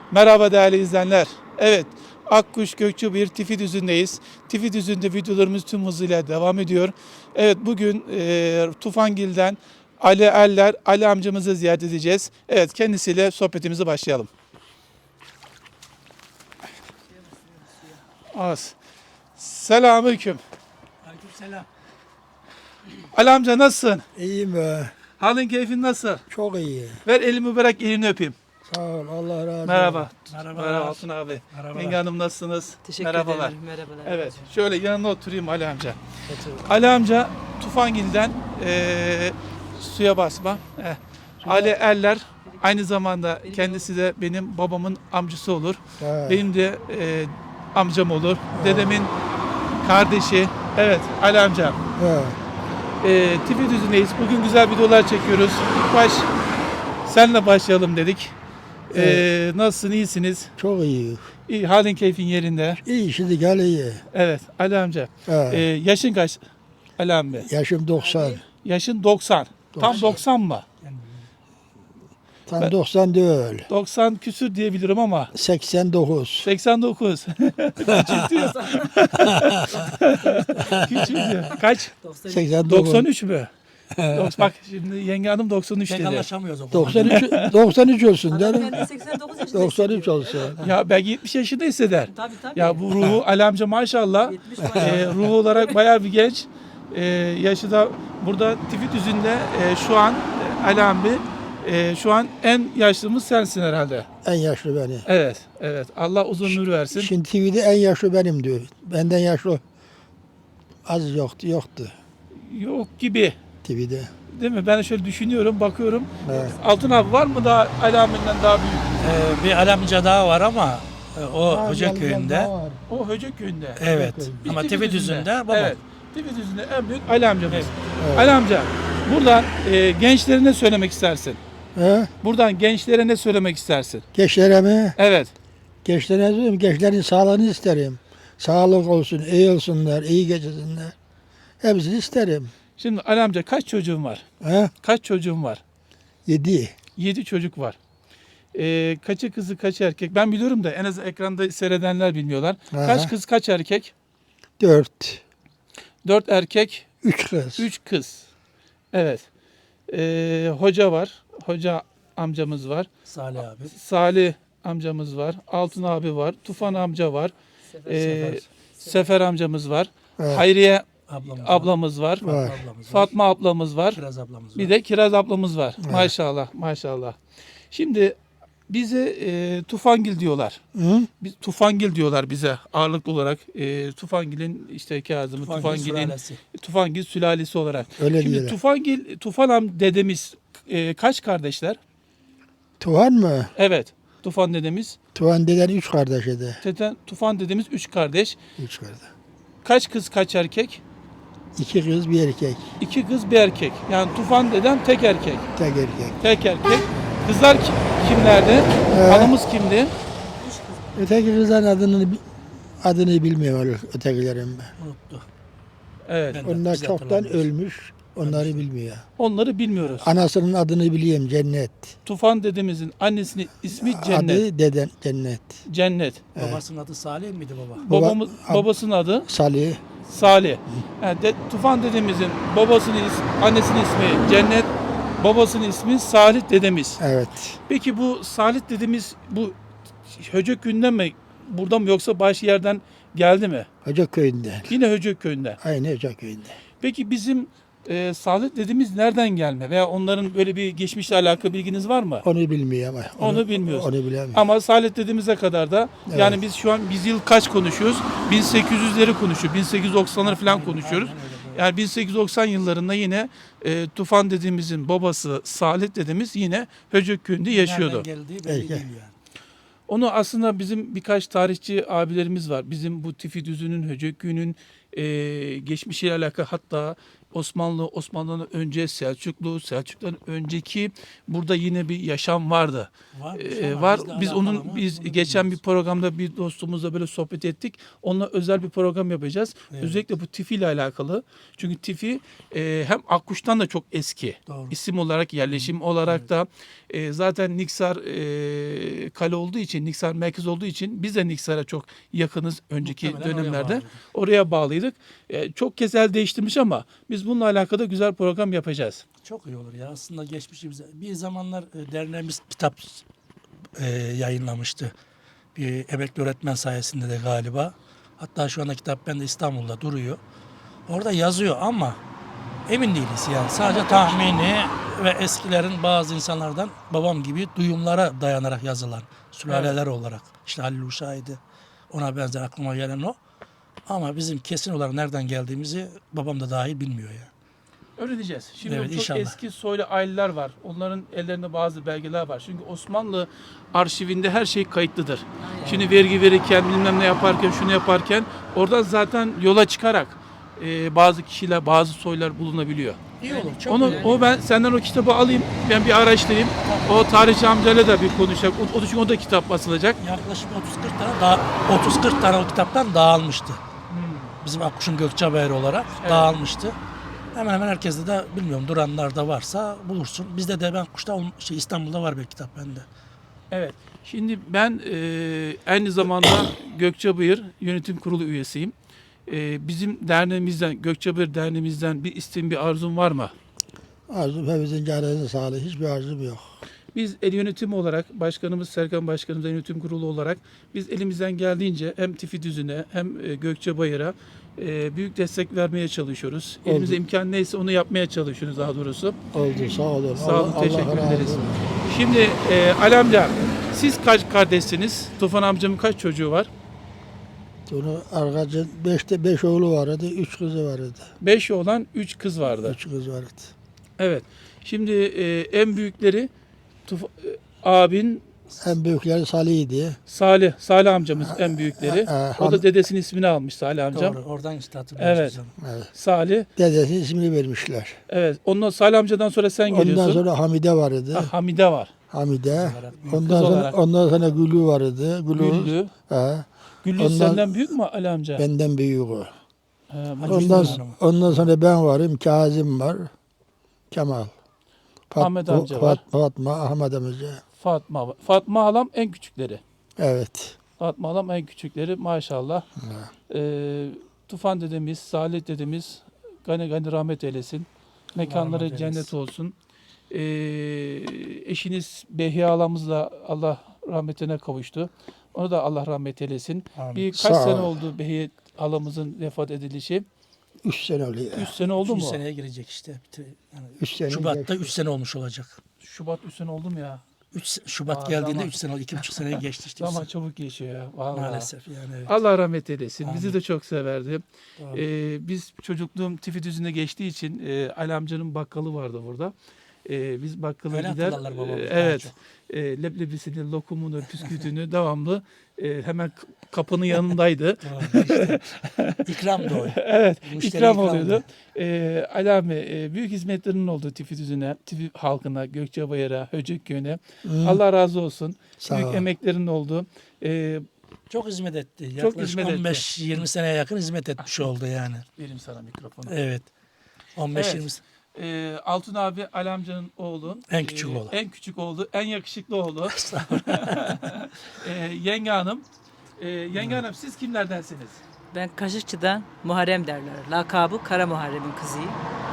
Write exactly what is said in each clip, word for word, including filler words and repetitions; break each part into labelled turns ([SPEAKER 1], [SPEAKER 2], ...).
[SPEAKER 1] Merhaba değerli izleyenler. Evet, Akkuş Gökçebir Tifidüzü'ndeyiz. Tifidüzü'nde videolarımız tüm hızıyla devam ediyor. Evet, bugün e, Tufangil'den Ali Erler, Ali amcamızı ziyaret edeceğiz. Evet, kendisiyle sohbetimize başlayalım. Az. Selamünaleyküm.
[SPEAKER 2] Aleykümselam.
[SPEAKER 1] Ali amca nasılsın?
[SPEAKER 3] İyiyim be.
[SPEAKER 1] Halin keyfin nasıl?
[SPEAKER 3] Çok iyi.
[SPEAKER 1] Ver elimi mübarek elini öpeyim.
[SPEAKER 3] Sağ ol. Allah razı olsun.
[SPEAKER 1] Merhaba.
[SPEAKER 2] Merhaba.
[SPEAKER 1] Merhaba Altun abi.
[SPEAKER 2] Merhabalar.
[SPEAKER 1] Yenge hanım nasılsınız?
[SPEAKER 4] Teşekkür
[SPEAKER 1] Merhabalar.
[SPEAKER 4] ederim. Merhabalar.
[SPEAKER 1] Evet, şöyle yanına oturayım Ali amca. Ali amca Tufangil'den eee, suya basma. Eh. Ali Erler aynı zamanda kendisi de benim babamın amcası olur.
[SPEAKER 3] He.
[SPEAKER 1] Benim de eee, amcam olur. Dedemin kardeşi. Evet Ali amca.
[SPEAKER 3] He.
[SPEAKER 1] Eee T V düzündeyiz. Bugün güzel videolar çekiyoruz. İlk baş senle başlayalım dedik. Eee nasılsın, iyisiniz?
[SPEAKER 3] Çok iyi.
[SPEAKER 1] İyi, halin keyfin yerinde.
[SPEAKER 3] İyi şimdi gel iyi.
[SPEAKER 1] Evet Ali amca.
[SPEAKER 3] He.
[SPEAKER 1] Eee yaşın kaç Ali amca?
[SPEAKER 3] Yaşım doksan.
[SPEAKER 1] Yaşın doksan. Tam
[SPEAKER 3] doksan.
[SPEAKER 1] doksan mı?
[SPEAKER 3] Tam
[SPEAKER 1] Ben-
[SPEAKER 3] doksan değil.
[SPEAKER 1] doksan küsür diyebilirim ama
[SPEAKER 3] seksen dokuz.
[SPEAKER 1] seksen dokuz. Küçük diyor. Küçük diyor. Kaç?
[SPEAKER 3] seksen dokuz.
[SPEAKER 1] doksan üç mü? Dok- Bak şimdi yenge hanım doksan üç
[SPEAKER 2] Pek
[SPEAKER 1] dedi.
[SPEAKER 2] anlaşamıyoruz o konuda.
[SPEAKER 3] doksan üç doksan üç olsun
[SPEAKER 4] Adam
[SPEAKER 3] canım.
[SPEAKER 4] kendi seksen dokuz yaşında
[SPEAKER 3] doksan üç
[SPEAKER 4] hissediyor.
[SPEAKER 3] olsun.
[SPEAKER 1] Ya belki yetmiş yaşında hisseder.
[SPEAKER 4] Tabii tabii.
[SPEAKER 1] Ya bu ruhu Ali amca maşallah.
[SPEAKER 4] yetmiş
[SPEAKER 1] E, ruhu olarak bayağı bir genç. E, yaşı da burada Tifidüzü'nde e, şu an e, Ali abi e, şu an en yaşlımız sensin herhalde.
[SPEAKER 3] En yaşlı benim.
[SPEAKER 1] Evet, evet. Allah uzun ömür versin.
[SPEAKER 3] Şimdi T V'de en yaşlı benim diyor. Benden yaşlı az yoktu, yoktu
[SPEAKER 1] Yok gibi.
[SPEAKER 3] T V'de.
[SPEAKER 1] Değil mi? Ben de şöyle düşünüyorum, bakıyorum.
[SPEAKER 3] Evet.
[SPEAKER 1] Altın abi var mı daha Ali abinden daha büyük?
[SPEAKER 2] Ee, bir alamca daha var ama e, o Hoca köyünde.
[SPEAKER 1] O Höcek köyünde.
[SPEAKER 2] Evet.
[SPEAKER 1] Biz
[SPEAKER 2] Ama
[SPEAKER 1] Tifidüzü'nde.
[SPEAKER 2] Tifidüzü'nde babam.
[SPEAKER 1] Evet. Tifidüzü'nde en büyük Ali amcamız.
[SPEAKER 2] Evet.
[SPEAKER 3] Evet.
[SPEAKER 1] Ali amca, buradan e, gençlere ne söylemek istersin?
[SPEAKER 3] He?
[SPEAKER 1] Buradan gençlere ne söylemek istersin?
[SPEAKER 3] Gençlere mi?
[SPEAKER 1] Evet.
[SPEAKER 3] Gençlere diyorum, gençlerin sağlığını isterim. Sağlık olsun, iyi olsunlar, iyi geçsinler. Hepsini isterim.
[SPEAKER 1] Şimdi Ali amca kaç çocuğun var?
[SPEAKER 3] He?
[SPEAKER 1] Kaç çocuğun var?
[SPEAKER 3] Yedi.
[SPEAKER 1] Yedi çocuk var. E, kaçı kızı kaç erkek? Ben biliyorum da en az ekranda seyredenler bilmiyorlar.
[SPEAKER 3] Aha.
[SPEAKER 1] Kaç kız kaç erkek?
[SPEAKER 3] Dört.
[SPEAKER 1] Dört erkek,
[SPEAKER 3] Üç kız.
[SPEAKER 1] üç kız. Evet. Ee, hoca var. Hoca amcamız var.
[SPEAKER 2] Salih abi.
[SPEAKER 1] Salih amcamız var. Altın abi var. Tufan amca var.
[SPEAKER 4] Sefer-
[SPEAKER 1] Ee,
[SPEAKER 2] Sefer.
[SPEAKER 1] Sefer amcamız var.
[SPEAKER 3] Evet.
[SPEAKER 1] Hayriye
[SPEAKER 2] Ablamız var.
[SPEAKER 1] ablamız var.
[SPEAKER 3] Var.
[SPEAKER 2] Ablamız var.
[SPEAKER 1] Fatma ablamız var.
[SPEAKER 2] Kiraz ablamız var.
[SPEAKER 1] Bir de Kiraz ablamız var.
[SPEAKER 3] Evet.
[SPEAKER 1] Maşallah, maşallah. Şimdi bize e, Tufangil diyorlar.
[SPEAKER 3] Hı?
[SPEAKER 1] Biz Tufangil diyorlar bize ağırlıklı olarak. E, Tufangil'in işte Kazım'ı,
[SPEAKER 2] Tufangil
[SPEAKER 1] Tufangil'in
[SPEAKER 2] sülalesi.
[SPEAKER 1] Tufangil sülalesi olarak.
[SPEAKER 3] Öyle
[SPEAKER 1] Şimdi
[SPEAKER 3] diyorlar.
[SPEAKER 1] Tufangil, Tufanam dedemiz e, kaç kardeşler?
[SPEAKER 3] Tuhan mı?
[SPEAKER 1] Evet. Tufan dedemiz.
[SPEAKER 3] Tuhan deden üç kardeş idi.
[SPEAKER 1] Teten, Tufan dedemiz üç kardeş.
[SPEAKER 3] Üç kardeş.
[SPEAKER 1] Kaç kız kaç erkek?
[SPEAKER 3] İki kız bir erkek.
[SPEAKER 1] İki kız bir erkek. Yani Tufan dedem tek erkek.
[SPEAKER 3] Tek erkek.
[SPEAKER 1] Tek erkek. Kızlar ki- kimlerdi?
[SPEAKER 3] Evet.
[SPEAKER 1] Hanımız kimdi?
[SPEAKER 3] Öteki kızların adını adını bilmiyorum ötekilerin.
[SPEAKER 2] Unuttu.
[SPEAKER 1] Evet.
[SPEAKER 2] Ben de-
[SPEAKER 3] Onlar
[SPEAKER 2] biz de
[SPEAKER 3] çoktan
[SPEAKER 2] hatırlamıyoruz.
[SPEAKER 3] ölmüş. Onları bilmiyor.
[SPEAKER 1] Onları bilmiyoruz.
[SPEAKER 3] Anasının adını biliyorum Cennet.
[SPEAKER 1] Tufan dedemizin annesinin ismi Cennet.
[SPEAKER 3] Adı deden Cennet.
[SPEAKER 1] Cennet.
[SPEAKER 2] Babasının adı Salih miydi baba?
[SPEAKER 3] Baba-
[SPEAKER 1] Babamız,
[SPEAKER 3] ab-
[SPEAKER 1] babasının adı
[SPEAKER 3] Salih.
[SPEAKER 1] Salih. Yani de, Tufan dedemizin babasının is- annesinin ismi Cennet. Babasının ismi Salih dedemiz.
[SPEAKER 3] Evet.
[SPEAKER 1] Peki bu Salih dedemiz bu Höcek köyünden mi? Burada mı yoksa başka yerden geldi mi?
[SPEAKER 3] Hoca köyünden.
[SPEAKER 1] Yine Höcek köyünden.
[SPEAKER 3] Aynı Hoca köyünden.
[SPEAKER 1] Peki bizim e, Salih dedemiz nereden gelme? Veya onların böyle bir geçmişle alakalı bilginiz var mı?
[SPEAKER 3] Onu bilmiyor ama.
[SPEAKER 1] Onu bilmiyoruz.
[SPEAKER 3] Onu bilemiyor.
[SPEAKER 1] Ama Salih dediğimize kadar da
[SPEAKER 3] Evet.
[SPEAKER 1] yani biz şu an biz yıl kaç konuşuyoruz? bin sekiz yüzleri konuşuyor. bin sekiz yüz doksanları falan konuşuyoruz.
[SPEAKER 2] Aynen öyle, doğru.
[SPEAKER 1] Yani bin sekiz yüz doksan yıllarında yine e, Tufan dediğimizin babası Salih dedemiz yine Höcek köyünde yaşıyordu.
[SPEAKER 2] Nereden geldiği belli
[SPEAKER 3] Peki.
[SPEAKER 2] değil yani.
[SPEAKER 1] Onu aslında bizim birkaç tarihçi abilerimiz var. Bizim bu Tifidüzü'nün, Höcek köyünün e, geçmişiyle alakalı hatta Osmanlı, Osmanlı'dan önce Selçuklu, Selçuklu'dan önceki burada yine bir yaşam vardı.
[SPEAKER 2] Var.
[SPEAKER 1] Ee, var. Biz onun biz geçen bir programda bir dostumuzla böyle sohbet ettik. Onunla özel bir program yapacağız.
[SPEAKER 2] Evet.
[SPEAKER 1] Özellikle bu Tifi ile alakalı. Çünkü Tifi e, hem Akkuş'tan da çok eski.
[SPEAKER 2] Doğru.
[SPEAKER 1] İsim olarak, yerleşim olarak da e, zaten Niksar e, kale olduğu için, Niksar merkez olduğu için biz de Niksar'a çok yakınız önceki
[SPEAKER 2] Muhtemelen oraya
[SPEAKER 1] dönemlerde.
[SPEAKER 2] bağlıydı.
[SPEAKER 1] Oraya bağlıydık. E, çok kez el değiştirmiş ama biz bununla alakalı güzel program yapacağız.
[SPEAKER 2] Çok iyi olur ya. Aslında geçmişimize. Bir zamanlar e, derneğimiz kitap e, yayınlamıştı. Bir emekli öğretmen sayesinde de galiba. Hatta şu anda kitap bende İstanbul'da duruyor. Orada yazıyor ama emin değiliz yani. Sadece tahmini ve eskilerin bazı insanlardan babam gibi duyumlara dayanarak yazılan sülaleler olarak. İşte Halil Uşağı'ydı. Ona benzer aklıma gelen o. Ama bizim kesin olarak nereden geldiğimizi babam da dahil bilmiyor yani.
[SPEAKER 1] Öğreneceğiz. Şimdi
[SPEAKER 2] Evet,
[SPEAKER 1] çok
[SPEAKER 2] inşallah.
[SPEAKER 1] eski soylu aileler var. Onların ellerinde bazı belgeler var. Çünkü Osmanlı arşivinde her şey kayıtlıdır. Şimdi vergi verirken, bilmem ne yaparken, şunu yaparken oradan zaten yola çıkarak e, bazı kişiler, bazı soylar bulunabiliyor.
[SPEAKER 2] İyi olur. Çok
[SPEAKER 1] Onu,
[SPEAKER 2] iyi.
[SPEAKER 1] o ben senden o kitabı alayım, ben bir araştırayım. O tarihçi amcayla da bir konuşacak. O, o çünkü o da kitap basılacak.
[SPEAKER 2] Yaklaşık otuz kırk tane daha otuz kırk tane o kitaptan dağılmıştı. Bizim Akkuş'un Gökçebayır olarak
[SPEAKER 1] Evet.
[SPEAKER 2] dağılmıştı. Hemen hemen herkeste de bilmiyorum duranlar da varsa bulursun. Bizde de ben Akkuş'ta ol- şey İstanbul'da var bir kitap bende.
[SPEAKER 1] Evet. Şimdi ben e, aynı zamanda Gökçebayır Yönetim Kurulu üyesiyim. E, bizim derneğimizden, Gökçebayır Derneğimizden bir isteğin, bir arzun var mı?
[SPEAKER 3] Arzum hepimizin canınızın sağlığı. Hiçbir arzum yok.
[SPEAKER 1] Biz el yönetimi olarak, başkanımız Serkan Başkanımız yönetim kurulu olarak biz elimizden geldiğince hem Tifi Düzü'ne hem e, Gökçebayır'a e, büyük destek vermeye çalışıyoruz.
[SPEAKER 3] Oldu.
[SPEAKER 1] Elimizde imkan neyse onu yapmaya çalışıyoruz daha doğrusu.
[SPEAKER 3] Oldu, sağ olun.
[SPEAKER 1] Sağ olun,
[SPEAKER 3] Allah-
[SPEAKER 1] teşekkür
[SPEAKER 3] Allah razı
[SPEAKER 1] ederiz.
[SPEAKER 3] olsun.
[SPEAKER 1] Şimdi e, Ali amca, siz kaç kardeşsiniz? Tufan amcamın kaç çocuğu var?
[SPEAKER 3] Bunu arkacın beşte beş oğlu vardı, üç kızı vardı.
[SPEAKER 1] Beş oğlan, üç kız vardı.
[SPEAKER 3] Üç kız vardı.
[SPEAKER 1] Evet. Şimdi e, en büyükleri Tuf- e, abin
[SPEAKER 3] En büyükleri Salih'ydi.
[SPEAKER 1] Salih, Salih amcamız en büyükleri.
[SPEAKER 3] e, e,
[SPEAKER 1] O da
[SPEAKER 3] han-
[SPEAKER 1] dedesinin ismini almış Salih amcam.
[SPEAKER 2] Doğru. Oradan işte hatırlıyorsun.
[SPEAKER 1] Evet.
[SPEAKER 2] sen.
[SPEAKER 3] Evet.
[SPEAKER 1] Salih.
[SPEAKER 3] Dedesinin ismini vermişler.
[SPEAKER 1] Evet. Ondan Salih amcadan sonra sen geliyorsun.
[SPEAKER 3] Ondan sonra Hamide vardı.
[SPEAKER 1] Ha, Hamide var.
[SPEAKER 3] Hamide.
[SPEAKER 2] olarak büyük
[SPEAKER 3] Ondan
[SPEAKER 1] kız
[SPEAKER 3] sonra
[SPEAKER 1] olarak.
[SPEAKER 3] ondan sonra Gülü vardı. Gülü.
[SPEAKER 1] Güllü.
[SPEAKER 3] He,
[SPEAKER 1] Güllü
[SPEAKER 3] Ondan-
[SPEAKER 1] senden büyük mü Ali amca?
[SPEAKER 3] benden büyük o.
[SPEAKER 1] He,
[SPEAKER 2] Hacı
[SPEAKER 3] Ondan,
[SPEAKER 2] Hüseyin Hanım.
[SPEAKER 3] ondan sonra ben varım. Kazım var. Kemal. Fat-
[SPEAKER 1] Ahmet amca var.
[SPEAKER 3] Fat- Fatma, Ahmet amca.
[SPEAKER 1] Fatma var. Fatma halam en küçükleri.
[SPEAKER 3] Evet.
[SPEAKER 1] Fatma halam en küçükleri maşallah. Ee, Tufan dedemiz, Salih dedemiz gani gani rahmet eylesin. Mekanları
[SPEAKER 2] rahmet
[SPEAKER 1] cennet
[SPEAKER 2] eylesin.
[SPEAKER 1] olsun. Ee, eşiniz Behiye halamız da Allah rahmetine kavuştu. Onu da Allah rahmet eylesin.
[SPEAKER 2] Amin.
[SPEAKER 1] Bir kaç
[SPEAKER 3] Sağ
[SPEAKER 1] sene
[SPEAKER 3] ol.
[SPEAKER 1] oldu Behiye halamızın vefat edilişi?
[SPEAKER 3] Üç sene oluyor.
[SPEAKER 1] Üç sene oldu
[SPEAKER 2] Üçüncü
[SPEAKER 1] mu?
[SPEAKER 2] seneye girecek işte. Bitir- Yani
[SPEAKER 3] Üç sene
[SPEAKER 2] Şubat'ta
[SPEAKER 3] geçti.
[SPEAKER 2] üç sene olmuş olacak.
[SPEAKER 1] Şubat üç sene oldu mu ya?
[SPEAKER 2] üç Şubat
[SPEAKER 1] Aa,
[SPEAKER 2] geldiğinde
[SPEAKER 1] zaman.
[SPEAKER 2] üç sene oldu. iki buçuk seneye geçti işte.
[SPEAKER 1] Zaman çabuk geçiyor ya. Vallahi.
[SPEAKER 2] Maalesef yani. Evet.
[SPEAKER 1] Allah rahmet eylesin. Bizi
[SPEAKER 2] Amin.
[SPEAKER 1] de çok severdi.
[SPEAKER 2] Doğru.
[SPEAKER 1] Ee, biz çocukluğum Tifi düzüne geçtiği için e, Ali amcanın bakkalı vardı burada. Ee, biz bakkala
[SPEAKER 2] Öyle
[SPEAKER 1] gider.
[SPEAKER 2] hatırlarlar babamız
[SPEAKER 1] e,
[SPEAKER 2] daha
[SPEAKER 1] evet.
[SPEAKER 2] çok.
[SPEAKER 1] E, leblebisini, lokumunu, püskütünü devamlı e, hemen k- kapının yanındaydı.
[SPEAKER 2] Doğru, işte. İkram da o.
[SPEAKER 1] Evet.
[SPEAKER 2] Müşteri
[SPEAKER 1] ikram
[SPEAKER 2] ikramdı.
[SPEAKER 1] oluyordu. E, Ali abi, e, büyük hizmetlerinin olduğu Tifi düzüne, Tifi halkına, Gökçebayır'a, Höcükköy'üne.
[SPEAKER 3] Hı,
[SPEAKER 1] Allah razı olsun.
[SPEAKER 3] sağ
[SPEAKER 1] büyük
[SPEAKER 3] ol.
[SPEAKER 1] emeklerinin olduğu. E,
[SPEAKER 2] Çok hizmet etti.
[SPEAKER 1] Çok
[SPEAKER 2] Yaklaşık
[SPEAKER 1] hizmet etti.
[SPEAKER 2] on beş yirmi seneye yakın hizmet etmiş oldu yani.
[SPEAKER 1] vereyim sana mikrofonu.
[SPEAKER 2] Evet. on beş yirmi
[SPEAKER 1] Evet. Ee, Altun abi Ali amcanın oğlu.
[SPEAKER 2] En küçük
[SPEAKER 1] Ee,
[SPEAKER 2] oğlu.
[SPEAKER 1] En küçük oğlu. En yakışıklı oğlu. ee, yenge hanım. Ee, yenge hanım siz kimlerdensiniz?
[SPEAKER 4] Ben Kaşıkçı'dan Muharrem derler. Lakabı Kara Muharrem'in kızıyım.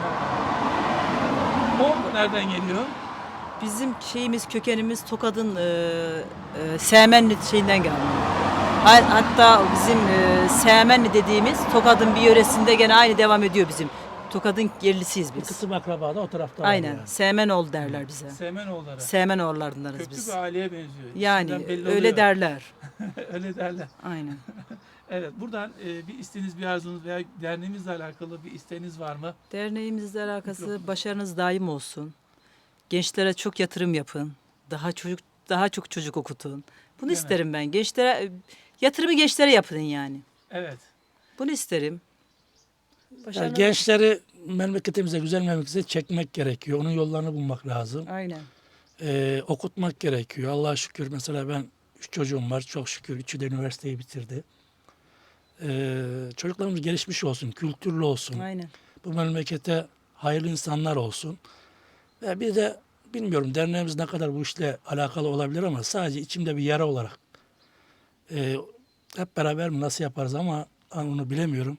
[SPEAKER 1] O nereden geliyor?
[SPEAKER 4] Bizim şeyimiz, kökenimiz Tokat'ın e, e, Semenli şeyinden gelmiyor. Ha- Hatta bizim e, Semenli dediğimiz Tokat'ın bir yöresinde gene aynı devam ediyor bizim. Tokat'ın yerlisiyiz
[SPEAKER 2] Bir
[SPEAKER 4] biz.
[SPEAKER 2] kısım akraba da o tarafta var
[SPEAKER 4] Aynen.
[SPEAKER 2] yani.
[SPEAKER 4] Semenoğlu derler bize.
[SPEAKER 1] Semenoğulları.
[SPEAKER 4] Semenoğullarındanız
[SPEAKER 1] Köklü
[SPEAKER 4] biz.
[SPEAKER 1] bir aileye benziyor.
[SPEAKER 4] Yani
[SPEAKER 1] İsimden belli
[SPEAKER 4] öyle
[SPEAKER 1] oluyor.
[SPEAKER 4] derler.
[SPEAKER 1] Öyle derler.
[SPEAKER 4] Aynen.
[SPEAKER 1] Evet, buradan e, bir isteğiniz, bir arzunuz veya derneğimizle alakalı bir isteğiniz var mı?
[SPEAKER 4] Derneğimizle alakası başarınız daim olsun. Gençlere çok yatırım yapın. Daha çocuk daha çok çocuk okutun. Bunu
[SPEAKER 1] Değil mi?
[SPEAKER 4] isterim ben. Gençlere yatırımı gençlere yapın yani.
[SPEAKER 1] Evet.
[SPEAKER 4] Bunu isterim.
[SPEAKER 2] Yani
[SPEAKER 4] Başarılı.
[SPEAKER 2] gençleri memleketimize, güzel memleketimize çekmek gerekiyor. Onun yollarını bulmak lazım.
[SPEAKER 4] Aynen.
[SPEAKER 2] Ee, okutmak gerekiyor. Allah'a şükür mesela ben üç çocuğum var. Çok şükür üçü de üniversiteyi bitirdi. Ee, çocuklarımız gelişmiş olsun, kültürlü olsun.
[SPEAKER 4] Aynen.
[SPEAKER 2] Bu memlekete hayırlı insanlar olsun. Ve bir de bilmiyorum derneğimiz ne kadar bu işle alakalı olabilir ama sadece içimde bir yara olarak e, hep beraber mi nasıl yaparız ama onu bilemiyorum.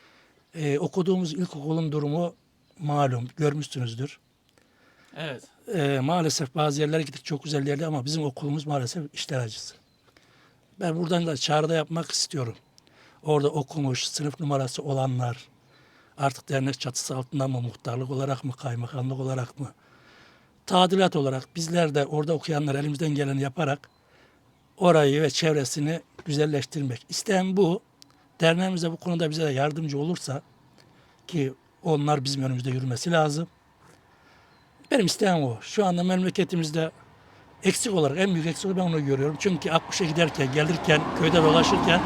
[SPEAKER 2] E, okuduğumuz ilkokulun durumu malum, görmüşsünüzdür.
[SPEAKER 1] Evet.
[SPEAKER 2] E, maalesef bazı yerlere gittik çok güzel yerler ama bizim okulumuz maalesef işler acısı. Ben buradan da çağrıda yapmak istiyorum. Orada okumuş, sınıf numarası olanlar, artık dernek çatısı altında mı, muhtarlık olarak mı, kaymakamlık olarak mı, tadilat olarak bizler de orada okuyanlar elimizden geleni yaparak orayı ve çevresini güzelleştirmek. İsteyen bu. Derneğimiz de bu konuda bize de yardımcı olursa ki onlar bizim önümüzde yürümesi lazım. Benim isteğim o. Şu anda memleketimizde eksik olarak en büyük eksik ben onu görüyorum. Çünkü Akkuş'a giderken, gelirken, köyde dolaşırken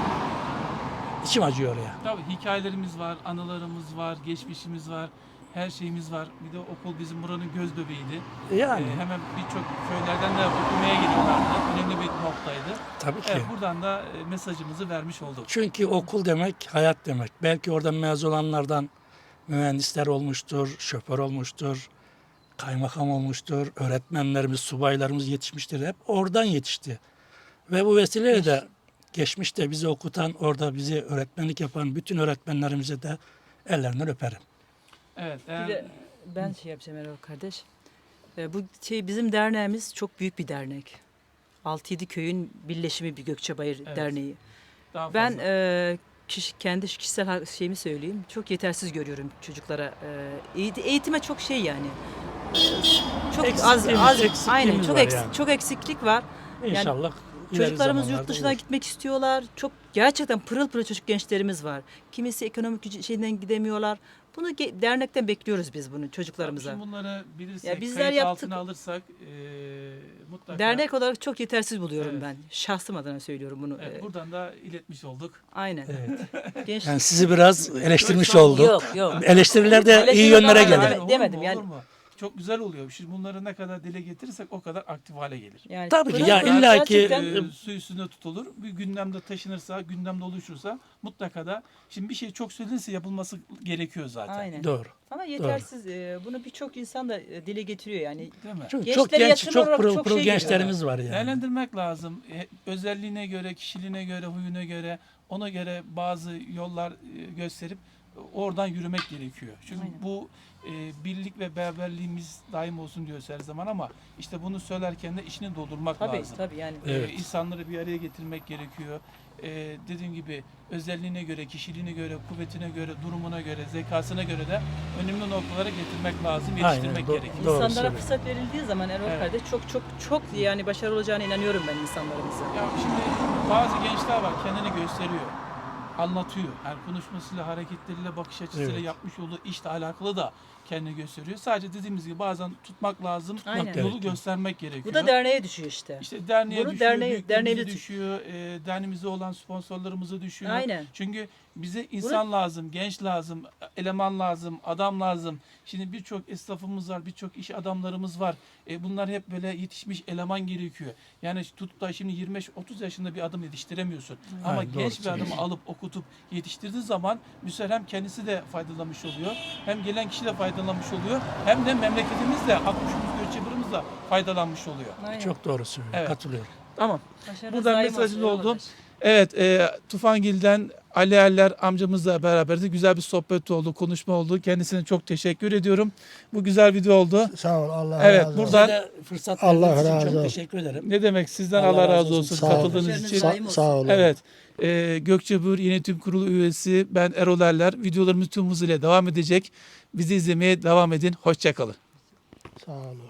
[SPEAKER 2] içim acıyor ya.
[SPEAKER 1] Tabii hikayelerimiz var, anılarımız var, geçmişimiz var, her şeyimiz var. Bir de okul bizim buranın göz bebeğiydi.
[SPEAKER 2] Yani
[SPEAKER 1] Ee, hemen birçok köylerden de okumaya geliyorlardı. Önemli bir noktaydı.
[SPEAKER 2] tabii ki.
[SPEAKER 1] Evet, buradan da e, mesajımızı vermiş olduk.
[SPEAKER 2] Çünkü okul demek hayat demek. Belki oradan mezun olanlardan mühendisler olmuştur, şoför olmuştur, kaymakam olmuştur, öğretmenlerimiz, subaylarımız yetişmiştir. Hep oradan yetişti. Ve bu vesileyle de geçmişte bizi okutan, orada bizi öğretmenlik yapan bütün öğretmenlerimize de ellerinden öperim.
[SPEAKER 1] Evet.
[SPEAKER 4] Bir
[SPEAKER 1] eğer-
[SPEAKER 4] de ben şey yapacağım Erol kardeş. Ee, bu şey bizim derneğimiz çok büyük bir dernek. altı yedi köyün birleşimi bir Gökçebayır
[SPEAKER 1] Evet.
[SPEAKER 4] Derneği.
[SPEAKER 1] daha
[SPEAKER 4] Ben
[SPEAKER 1] fazla.
[SPEAKER 4] e, kişi, kendi kişisel ha- şeyimi söyleyeyim. Çok yetersiz görüyorum çocuklara. E, eğit- eğitime çok şey yani. E, Çok az
[SPEAKER 2] Eksikliğimiz-
[SPEAKER 4] az
[SPEAKER 2] eksikliğimiz
[SPEAKER 4] aynen çok
[SPEAKER 2] var
[SPEAKER 4] eks-
[SPEAKER 2] yani.
[SPEAKER 4] çok eksiklik var.
[SPEAKER 2] İnşallah ileri
[SPEAKER 4] Çocuklarımız
[SPEAKER 2] zamanlarda
[SPEAKER 4] yurt dışına
[SPEAKER 2] olur.
[SPEAKER 4] gitmek istiyorlar. Çok gerçekten pırıl pırıl çocuk gençlerimiz var. Kimisi ekonomik gücü- şeyden gidemiyorlar. Bunu ge- dernekten bekliyoruz biz bunu çocuklarımıza.
[SPEAKER 1] Şimdi bunları bilirsek,
[SPEAKER 4] Ya bizler
[SPEAKER 1] kayıt
[SPEAKER 4] yaptık.
[SPEAKER 1] altına alırsak e, mutlaka.
[SPEAKER 4] Dernek olarak çok yetersiz buluyorum
[SPEAKER 1] Evet.
[SPEAKER 4] ben. Şahsım adına söylüyorum bunu.
[SPEAKER 1] Evet,
[SPEAKER 4] Ee,
[SPEAKER 1] buradan da iletmiş olduk.
[SPEAKER 4] Aynen.
[SPEAKER 2] Evet.
[SPEAKER 4] Genç...
[SPEAKER 2] Yani sizi biraz eleştirmiş
[SPEAKER 1] Yok,
[SPEAKER 2] olduk.
[SPEAKER 4] Yok yok.
[SPEAKER 2] Eleştiriler de iyi
[SPEAKER 4] Eleştiri
[SPEAKER 2] yönlere
[SPEAKER 4] falan
[SPEAKER 2] gelir.
[SPEAKER 4] Deme-
[SPEAKER 1] olur mu,
[SPEAKER 4] demedim
[SPEAKER 1] olur
[SPEAKER 4] yani.
[SPEAKER 1] mu? Çok güzel oluyor. Şimdi bunları ne kadar dile getirirsek o kadar aktif hale gelir.
[SPEAKER 4] Yani
[SPEAKER 2] Tabii ki,
[SPEAKER 4] pırıl
[SPEAKER 2] ya
[SPEAKER 4] pırıl
[SPEAKER 2] illa ki-
[SPEAKER 4] gerçekten-
[SPEAKER 1] Ee, su üstünde tutulur. Bir gündemde taşınırsa, gündemde oluşursa mutlaka da şimdi bir şey çok söylenirse yapılması gerekiyor zaten.
[SPEAKER 4] Aynen.
[SPEAKER 2] Doğru.
[SPEAKER 4] Ama yetersiz. e, Bunu birçok insan da e, dile getiriyor yani.
[SPEAKER 1] Değil mi?
[SPEAKER 2] Çünkü
[SPEAKER 4] Gençlere
[SPEAKER 2] çok genç,
[SPEAKER 4] yatırım
[SPEAKER 2] çok
[SPEAKER 4] olarak
[SPEAKER 2] pırıl
[SPEAKER 4] çok
[SPEAKER 2] pırıl
[SPEAKER 4] şey
[SPEAKER 2] gençlerimiz var yani.
[SPEAKER 1] Değerlendirmek lazım. E, özelliğine göre, kişiliğine göre, huyuna göre, ona göre bazı yollar e, gösterip e, oradan yürümek gerekiyor. Çünkü
[SPEAKER 4] Aynen.
[SPEAKER 1] bu e, birlik ve beraberliğimiz daim olsun diyoruz her zaman ama işte bunu söylerken de içini doldurmak
[SPEAKER 4] Tabii
[SPEAKER 1] lazım.
[SPEAKER 4] tabii yani.
[SPEAKER 2] Evet.
[SPEAKER 1] Ee, insanları bir araya getirmek gerekiyor. Ee, dediğim gibi özelliğine göre, kişiliğine göre, kuvvetine göre, durumuna göre, zekasına göre de önemli noktalara getirmek lazım, yetiştirmek
[SPEAKER 2] Aynen, do-
[SPEAKER 1] gerekiyor.
[SPEAKER 2] doğru
[SPEAKER 4] İnsanlara
[SPEAKER 2] söylüyorsun.
[SPEAKER 4] fırsat verildiği zaman Erol
[SPEAKER 1] Evet.
[SPEAKER 4] kardeş çok çok çok yani başarılı olacağına inanıyorum ben insanlarımızın.
[SPEAKER 1] Ya şimdi bazı gençler var kendini gösteriyor, anlatıyor. Yani konuşmasıyla, hareketleriyle, bakış açısıyla
[SPEAKER 2] Evet.
[SPEAKER 1] yapmış olduğu işle alakalı da kendini gösteriyor. Sadece dediğimiz gibi bazen tutmak lazım,
[SPEAKER 4] Aynen.
[SPEAKER 1] yolu
[SPEAKER 2] gerekiyor.
[SPEAKER 1] göstermek gerekiyor.
[SPEAKER 4] Bu da derneğe düşüyor işte.
[SPEAKER 1] İşte derneğe
[SPEAKER 4] Bunu
[SPEAKER 1] düşüyor,
[SPEAKER 4] derneğe-
[SPEAKER 1] büyüklerimize
[SPEAKER 4] derneğe düş-
[SPEAKER 1] düşüyor, e, derneğimizde olan sponsorlarımıza düşüyor.
[SPEAKER 4] Aynen.
[SPEAKER 1] Çünkü bize insan lazım, genç lazım, eleman lazım, adam lazım. Şimdi birçok esnafımız var, birçok iş adamlarımız var. E, bunlar hep böyle yetişmiş eleman gerekiyor. Yani tutup da şimdi yirmi beş otuz yaşında bir adam yetiştiremiyorsun. Ama
[SPEAKER 2] Aynen, doğru
[SPEAKER 1] genç bir adamı
[SPEAKER 2] söylüyorsun.
[SPEAKER 1] alıp okutup yetiştirdiği zaman bu sefer hem kendisi de faydalanmış oluyor, hem gelen kişi de faydalanmış oluyor, hem de memleketimiz de, Akkuş'umuz, Göçebur'umuz da faydalanmış oluyor.
[SPEAKER 4] Aynen.
[SPEAKER 2] Çok doğru söylüyor.
[SPEAKER 1] Evet.
[SPEAKER 2] Katılıyorum.
[SPEAKER 1] Tamam.
[SPEAKER 4] Başarınız
[SPEAKER 1] Buradan
[SPEAKER 4] daim
[SPEAKER 1] mesajını
[SPEAKER 4] olsun Erol
[SPEAKER 1] oldu.
[SPEAKER 4] kardeş.
[SPEAKER 1] Evet, e, Tufangil'den Ali Erler amcamızla beraber de güzel bir sohbet oldu, konuşma oldu. Kendisine çok teşekkür ediyorum. Bu güzel video oldu.
[SPEAKER 3] Sağ ol. Allah
[SPEAKER 1] Evet,
[SPEAKER 3] razı olsun.
[SPEAKER 1] buradan-
[SPEAKER 2] Size de fırsat
[SPEAKER 3] Allah
[SPEAKER 2] verdiğiniz için
[SPEAKER 3] razı
[SPEAKER 2] çok
[SPEAKER 3] olsun.
[SPEAKER 2] teşekkür ederim.
[SPEAKER 1] Ne demek sizden
[SPEAKER 2] Allah
[SPEAKER 1] Allah,
[SPEAKER 2] razı
[SPEAKER 1] razı
[SPEAKER 2] olsun.
[SPEAKER 1] olsun
[SPEAKER 3] Sağ ol.
[SPEAKER 1] katıldığınız
[SPEAKER 4] Başarınız
[SPEAKER 1] için.
[SPEAKER 4] daim
[SPEAKER 3] Sa-
[SPEAKER 4] olsun.
[SPEAKER 3] sağ olun.
[SPEAKER 1] Evet, e, Gökçebur Yönetim Kurulu üyesi ben Erol Erler. Videolarımız tüm hızıyla devam edecek. Bizi izlemeye devam edin. Hoşçakalın.
[SPEAKER 3] Sağ olun.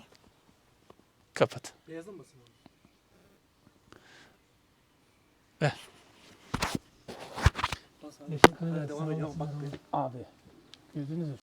[SPEAKER 1] Kapat. Ver. Abi. Gördünüz mü?